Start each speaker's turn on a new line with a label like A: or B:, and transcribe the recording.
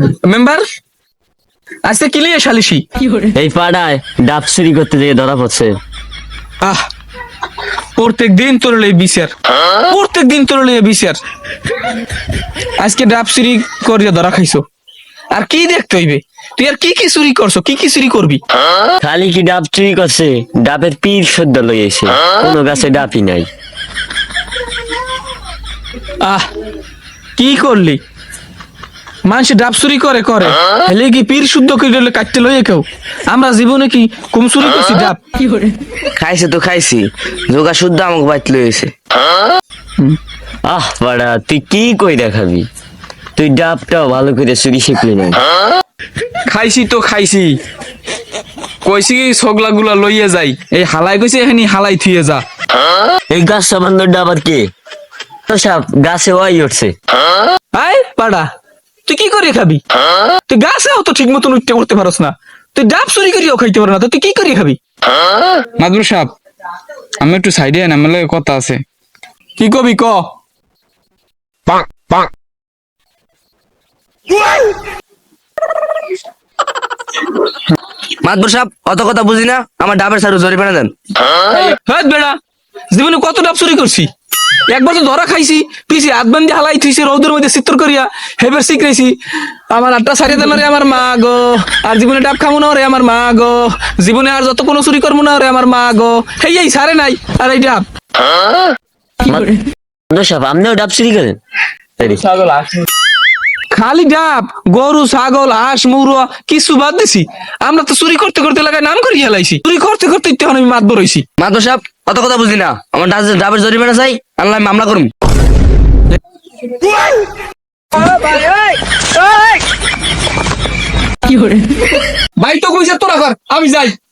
A: Member আজকে কি লিয়ে সালিশি?
B: এই পাড়ায় ডাব চুরি করতে যেয়ে ধরা পড়ছে।
A: আহ প্রত্যেক দিন তোর লই বিচার, প্রত্যেক দিন তোর লই বিচার। আজকে ডাব চুরি করিয়া ধরা খাইছো, আর কি দেখতে হইবে? তুই আর কি কি চুরি করছো, কি কি চুরি করবি?
B: খালি কি ডাব চুরি করছে, ডাবের পীর সদ্য লইয়েছে, কোনো গাছে ডাবই নাই।
A: আহ কি করলি? মানুষ ডাব চুরি করে করে হেলে কি পীর শুদ্ধ করে কাটতে লইয়ে কেউ? আমরা জীবনে কি কম চুরি করছি ডাব?
C: খাইছে তো খাইছি, যোগা শুদ্ধ আমাকে বাইত লইছে।
B: আহ পাড়া, তুই কি কই দেখাবি? তুই ডাবটাও ভালো করে চুরি শিখলি না।
A: খাইছি তো খাইছি, কইছি কি ছগলা গুলা লইয়ে যাই, এই হালাই কইছে এখানে হালাই থুয়ে যা।
B: এই গাছ সামান্য ডাব আর কে? তো সাপ গাছে ওয়াই উঠছে।
A: আয় পাড়া, তুই কি করে খাবি? তুই গাছেও তো ঠিক মতন উঠতে করতে পারস না, তুই ডাব চুরি করিও খাইতে পারো না, তো তুই কি করে খাবি? মাদুর সাহেব, আমি একটু সাইডে আন, আমার লগে কথা আছে। কি কবি ক?
C: মাতবর সাহেব, অত কথা বুঝি না, আমার ডাবের সারু জরিমানা দেন।
A: হ্যাঁ বেড়া, জীবনে কত ডাব চুরি করছি, একবার তো ধরা খাইছি, পিছি হাত বান্ধি হালাই থুইছি রৌদের মধ্যে চিত্র করিয়া, হেবার শিখরেছি। আমার আটটা সারিয়ে দেন রে আমার মা গো, আর জীবনে ডাব খামো না রে আমার মা গো, জীবনে আর যত কোনো চুরি করবো না রে আমার মা গো। হেই এই সারে নাই, আর এই ডাব
B: সাপ আপনিও ডাব চুরি করেন?
A: খালি ডাব, গরু ছাগল হাঁস মুরুয়া কিছু বাদ দিছি। আমরা তো চুরি করতে করতে লাগাই নাম করিয়া লাইছি, চুরি করতে করতে তখন আমি মাতবর হইছি।
C: মাতবর সাহেব, অত কথা বুঝি না, আমার ডাবের জরিমানা চাই, আনলে আমি মামলা করুম।
A: ভাই তো কইছে তোরা কর, আমি যাই।